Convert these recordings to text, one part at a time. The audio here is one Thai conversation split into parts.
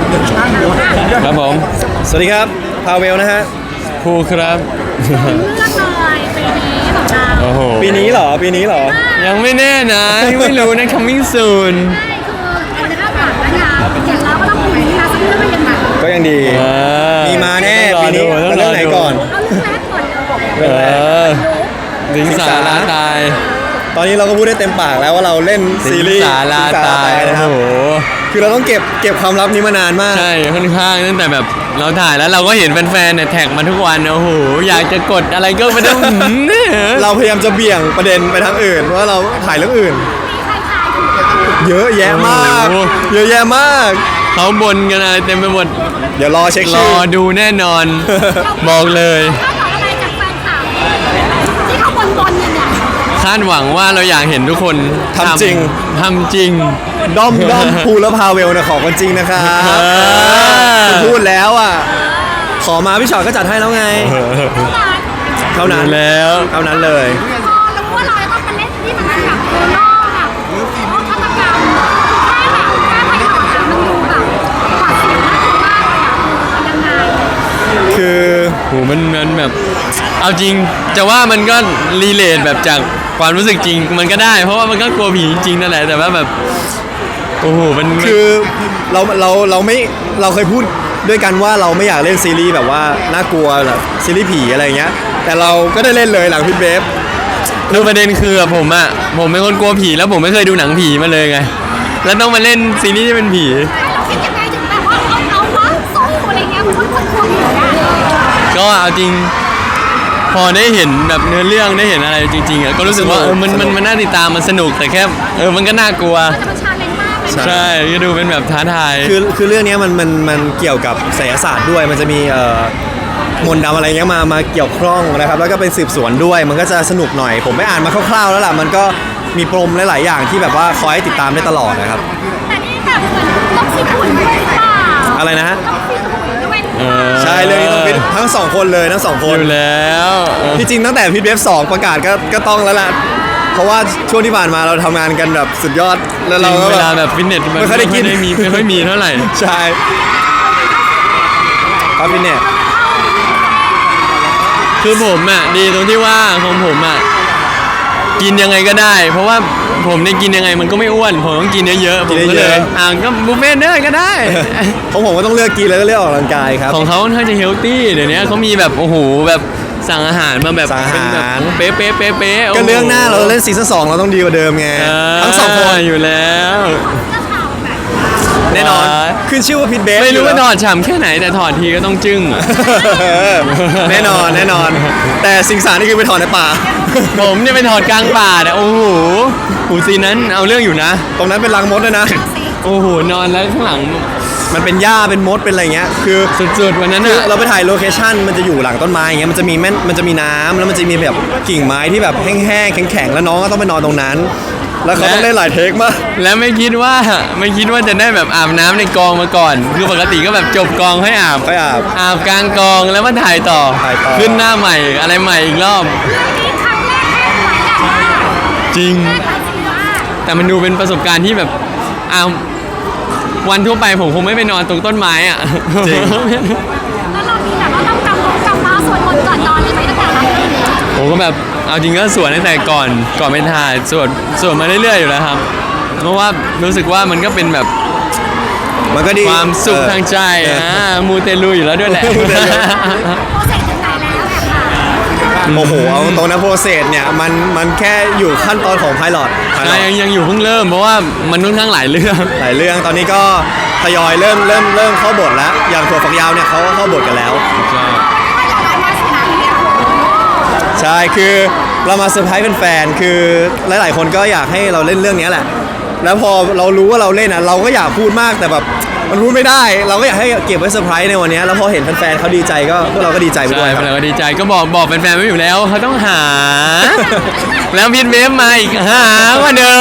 ครับผมสวัสดีครับพาเวลนะฮะภูครับเลือกเลยปีนี้ของเราโอ้โหปีนี้เหรอยังไม่แน่นะยังไม่รู้นะ coming soon ใช่คือคนคาดหวังนะคะอย่างเราก็ต้องปีนี้นะสักเรื่องเป็นยังไงก็ยังดีมีมาแน่ปีนี้เรื่องไหนก่อนเอาเรื่องแรกก่อนเลยสิงสาราตายตอนนี้เราก็พูดได้เต็มปากแล้วว่าเราเล่นซีรีส์สาราตายนะครับคือเราต้องเก็บความลับนี้มานานมากใช่ค่อนข้างตั้งแต่แบบเราถ่ายแล้วเราก็เห็นแฟนๆเนี่ยแท็กมาทุกวันโอ้โหอยากจะกดอะไรก็ไม่ต้องเราพยายามจะเบี่ยงประเด็นไปทางอื่นว่าเราถ่ายเรื่องอื่นมีใครทายถูกเยอะแยะมากเยอะแยะมากเขาบ่นกันอะไรเต็มไปหมดเดี๋ยวรอเช็คชื่อรอดูแน่นอนบอกเลยคาดหวังอะไรจากแฟนคลับที่เขาบนเนี่ยคาดหวังว่าเราอยากเห็นทุกคนทำจริงด้อมภูและพาเวลนะขอกันจริงนะครับพูดแล้วอ่ะขอมาพี่ชอตก็จัดให้แล้วไงเท่านั้นแล้วเท่านั้นเลยพอรู้ว่าเราจะต้องไปเล่นที่มันแบบโคโน่แบบฆาตกรรมแค่ไพลอตมันดูแบบหวาดเสียวน่ากลัวมากเลยอ่ะยังไงคือโหมันแบบเอาจริงจะว่ามันก็รีเลทแบบจากความรู้สึกจริงมันก็ได้เพราะว่ามันก็กลัวผีจริงนั่นแหละแต่ว่าแบบโอ้โหมันคือเราไม่เราเคยพูดด้วยกันว่าเราไม่อยากเล่นซีรีส์แบบว่าน่ากลัวแบบซีรีส์ผีอะไรเงี้ยแต่เราก็ได้เล่นเลยหลังพิทเบฟคือประเด็นคือผมเป็นคนกลัวผีแล้วผมไม่เคยดูหนังผีมาเลยไงแล้วต้องมาเล่นซีรีส์ที่เป็นผีเราคิดยังไงถึงแบบว่าเอาวะสู้อะไรเงี้ยเพราะคนกลัวผีอ่ะก็เอาจริงพอได้เห็นแบบเนื้อเรื่องได้เห็นอะไรจริงๆอ่ะก็รู้สึกว่ามันน่าติดตามมันสนุกแต่แค่มันก็น่ากลัวใช่ก็ดูเป็นแบบท้าทายคือเรื่องนี้มันเกี่ยวกับไสยศาสตร์ด้วยมันจะมีมนต์ดำอะไรเงี้ยมาเกี่ยวข้องนะครับแล้วก็เป็นสืบสวนด้วยมันก็จะสนุกหน่อยผมไม่อ่านมาคร่าวๆแล้วล่ะมันก็มีปมหลายๆอย่างที่แบบว่าคอยให้ติดตามได้ตลอดนะครับแต่นี่แบบเหมือนต้องฟิตหุ่นด้วยหรือเปล่าอะไรนะฮะต้องฟิตหุ่นด้วยใช่เรื่องนี้ต้องฟิตทั้ง2คนเลยทั้ง2คนอยู่แล้วที่จริงตั้งแต่พิทเบฟ2ประกาศก็ต้องแล้วล่ะเพราะว่าช่วงที่ผ่านมาเราทำงานกันแบบสุดยอดแล้วเราเวลาแบบฟิตเนสไม่ค่อยได้กินไม่ค่อยมีเท่าไหร่ใช่ครับฟิตเนสคือผมอ่ะดีตรงที่ว่าของผมอ่ะกินยังไงก็ได้เพราะว่าผมเนี่ยกินยังไงมันก็ไม่อ้วนผมต้องกินเยอะๆผมก็เลยก็บุฟเฟ่ต์เนอร์ก็ได้ของผมก็ต้องเลือกกินแล้วก็เลือกออกกำลังกายครับของเขาค่อนข้างจะเฮลตี้เดี๋ยวนี้เขามีแบบโอ้โหแบบสั่งอาหารมาแบบสั่งอาหารเป๊ะก็เรื่องหน้าเราเล่นซีซั่น2เราต้องดีกว่าเดิมไงทั้ง2คนอยู่แล้วแน่นอนขึ้นชื่อว่าพิทเบฟไม่รู้ว่าถอดฉ่ำแค่ไหนแต่ถอดทีก็ต้องจึ้งแน่นอนแต่สิงสารนี่คือไปถอดในป่าผมเนี่ยไปถอดกลางป่าเนี่ยโอ้โหหูซีนั้นเอาเรื่องอยู่นะตรงนั้นเป็นรังมดด้วยนะโอ้โหนอนแล้วข้างหลังมันเป็นหญ้าเป็นมดเป็นอะไรเงี้ยคือสุดๆวันนั้นเราไปถ่ายโลเคชั่นมันจะอยู่หลังต้นไม้อย่างเงี้ยมันจะมีน้ำแล้วมันจะมีแบบกิ่งไม้ที่แบบแห้งๆแข็งๆแล้วน้องก็ต้องไปนอนตรงนั้นแล้วเขาต้องได้หลายเทคมากแล้วไม่คิดว่าจะได้แบบอาบน้ำในกองมาก่อนคือปกติก็แบบจบกองให้อาบกลางกองแล้วมาถ่ายต่อขึ้นหน้าใหม่อะไรใหม่อีกรอบจริงแต่มันดูเป็นประสบการณ์ที่แบบวันทั่วไปผมคงไม่ไปนอนตรงต้นไม้อ่ะจริงแล้วเรามีแบบว่าต้องกำมาสวดมนต์ก่อนนอนเลยไหมตั้งแต่วันนี้ผมก็แบบเอาจริงก็สวดตั้งแต่ก่อนไปถ่ายสวดมาเรื่อยๆอยู่แล้วครับเพราะว่ารู้สึกว่ามันก็เป็นแบบมันก็ดีความสุขทางใจมูเตลูอยู่แล้วด้วยแหละโปรเซสถึงไหนแล้วค่ะโอ้โหเอาตรงนะโปรเซสเนี่ยมันแค่อยู่ขั้นตอนของไพลอตยังอยู่เพิ่งเริ่มเพราะว่ามันค่อนข้างหลายเรื่องตอนนี้ก็ทยอยเริ่มเข้าบทแล้วอย่างถั่วฝักยาวเนี่ยเขาเข้าบทกันแล้วใช่คือเรามาเซอร์ไพรส์แฟนๆคือหลายๆคนก็อยากให้เราเล่นเรื่องนี้แหละแล้วพอเรารู้ว่าเราเล่นเราก็อยากพูดมากแต่แบบมันพูดไม่ได้เราก็อยากให้เก็บไว้เซอร์ไพรส์ในวันนี้แล้วพอเห็นแฟนๆเขาดีใจก็พวกเราก็ดีใจไปด้วยครับเราก็ดีใจก็บอกแฟนๆไว้อยู่แล้วเขาต้องหาแล้วพิทเบฟมาอีกหากว่าเดิม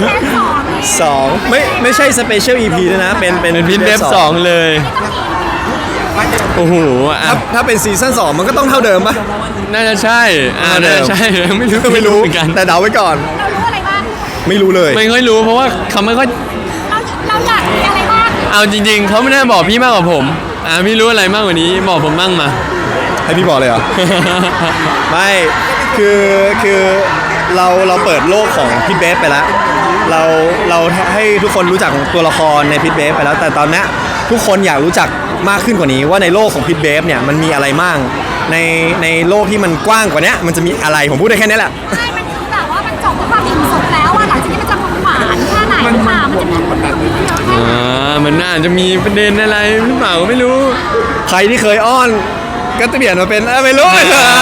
2ไม่ใช่สเปเชียล EP ด้วยนะเป็นพิทเบฟ2เลยโอ้โหถ้าเป็นซีซั่น2มันก็ต้องเท่าเดิมป่ะน่าจะใช่ใช่ไม่รู้เหมือนกันแต่เดาไว้ก่อนเรารู้อะไรบ้างไม่รู้เลยไม่ค่อยรู้เพราะว่าเขาไม่ค่อยเราอยากมีอะไรบ้างเอาจริงๆเขาไม่น่าบอกพี่มากกว่าผมพี่รู้อะไรมากกว่านี้บอกผมบ้างมาให้พี่บอกเลยเหรอ ไม่คือเราเปิดโลกของพิทเบฟไปแล้วเราให้ทุกคนรู้จักตัวละครในพิทเบฟไปแล้ว แต่ตอนนี้ทุกคนอยากรู้จักมากขึ้นกว่านี้ว่าในโลกของพิทเบฟเนี่ยมันมีอะไรมั่งในโลกที่มันกว้างกว่านี้มันจะมีอะไรผมพูดได้แค่นี้แหละใช่มันคือแบบว่ามันจบด้วยความอิ่มสุขแล้วอะหลังจากนี้มันจะหวานแค่ไหนหรือเปล่ามันจะมีคนเดียวเยอะแค่ไหนมันน่าจะมีประเด็นอะไรหรือเปล่าก็ไม่รู้ใครที่เคยอ้อนก็จะเปลี่ยนมาเป็นไม่รู้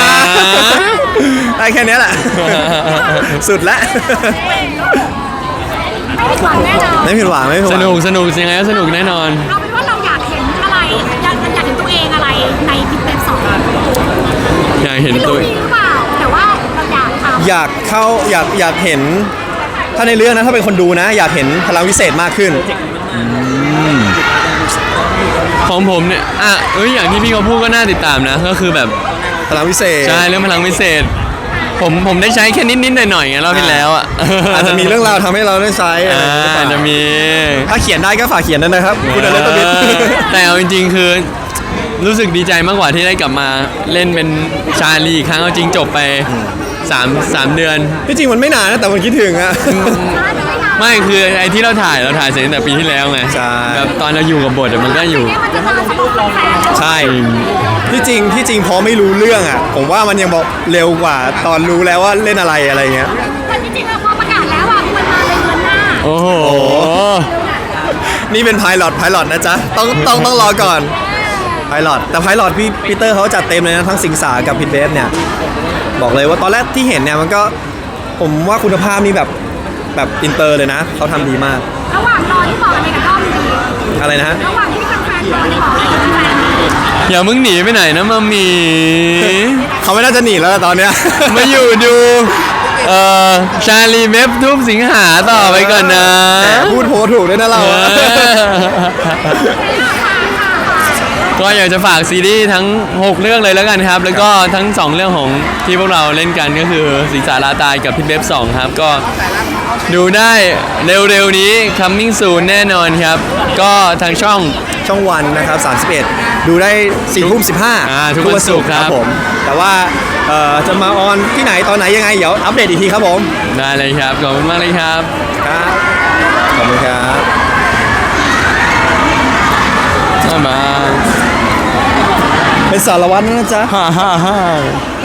ได้แค่นี้แหละ สุดละไม่ผิดหวังแน่นอนไม่ผิดหวังไม่ผิดหสวังนุกยังไงก็สนุกแน่นอนเอาเป็นว่าเราอยากเห็นอะไรอยากเห็นตัวเองอะไรในพิทเบฟสองอยากเห็นไม่ตัรู้วมีหรือเปล่าแต่ว่าเราอยากทำอยากเข้าอยากเห็น ถ้าในเรื่องนะถ้าเป็นคนดูนะ อยากเห็นพลังวิเศษมากขึ้นของผมเนี่ยอย่างที่พี่เขาพูดก็น่าติดตามนะ ก็คือแบบพลังวิเศษใช่เรื่องพลังวิเศษ ผมได้ใช้แค่นิดๆหน่อยๆไงรอบที่แล้วอ่ะอาจจะมีเรื่องราวทำให้เราได้ใช้อะไรหรือเปล่าจะมีถ้าเขียนได้ก็ฝากเขียนด้วยนะครับ คุณอเลนตบิทแต่เอาจริงๆคือรู้สึกดีใจมากกว่าที่ได้กลับมาเล่นเป็นชาลีอีกครั้งเอาจริงจบไป3 เดือนที่จริงมันไม่นานนะแต่มันคิดถึงอะไม่คือไอ้ที่เราถ่ายเสร็จตั้งแต่ปีที่แล้วไงใช่แบบตอนเราอยู่กับบทอะมันก็อยู่เนี่ยมันจะนานสำหรับแฟนๆใช่ที่จริงพอไม่รู้เรื่องอ่ะ ผมว่ามันยังบอกเร็วกว่าตอนรู้แล้วว่าเล่นอะไรเงี้ยแต่จริงๆแล้วพอประกาศแล้วอ่ะมันมาเลยเดือนหน้าโอ้โหนี่เป็นไพลอตนะจ๊ะต้องรอก่อนไพลอตแต่ไพลอตพี่ปีเตอร์เขาจัดเต็มเลยนะทั้งสิงสากับพิทเบฟเนี่ยบอกเลยว่าตอนแรกที่เห็นเนี่ยมันก็ผมว่าคุณภาพนี่แบบอินเตอร์เลยนะเขาทำดีมากระหว่างรอที่บอกอะไรกับด้อมดีอะไรนะฮะระหว่างที่แฟนๆรอที่บอกอะไรกับแฟนดีอย่ามึงหนีไปไหนนะมามีเขาไม่น่าจะหนีแล้วล่ะตอนเนี้ยมาอยู่ดูชาลีเมฟทุบสิงหาต่อไปก่อนนะแหมพูดโพถูกด้วยนะเราก็อยากจะฝากซีรีส์ทั้ง 6 เรื่องเลยแล้วกันครับ แล้วก็ทั้ง 2 เรื่องของที่พวกเราเล่นกันก็คือสิงสาราตายกับพิทเบฟ2ครับ ก็ดูได้เร็วๆนี้ coming soon แน่นอนครับ ก็ทางช่องวันนะครับ31ดูได้4 ทุ่ม 15 ทุกวันศุกร์ครับผมแต่ว่าจะมาออนที่ไหนตอนไหนยังไงเดี๋ยวอัปเดตอีกทีครับผมได้เลยครับ ขอบคุณมากเลยครับครับขอบคุณครับบ๊ายบายเป็นสารวัตรนะจ๊ะฮ่า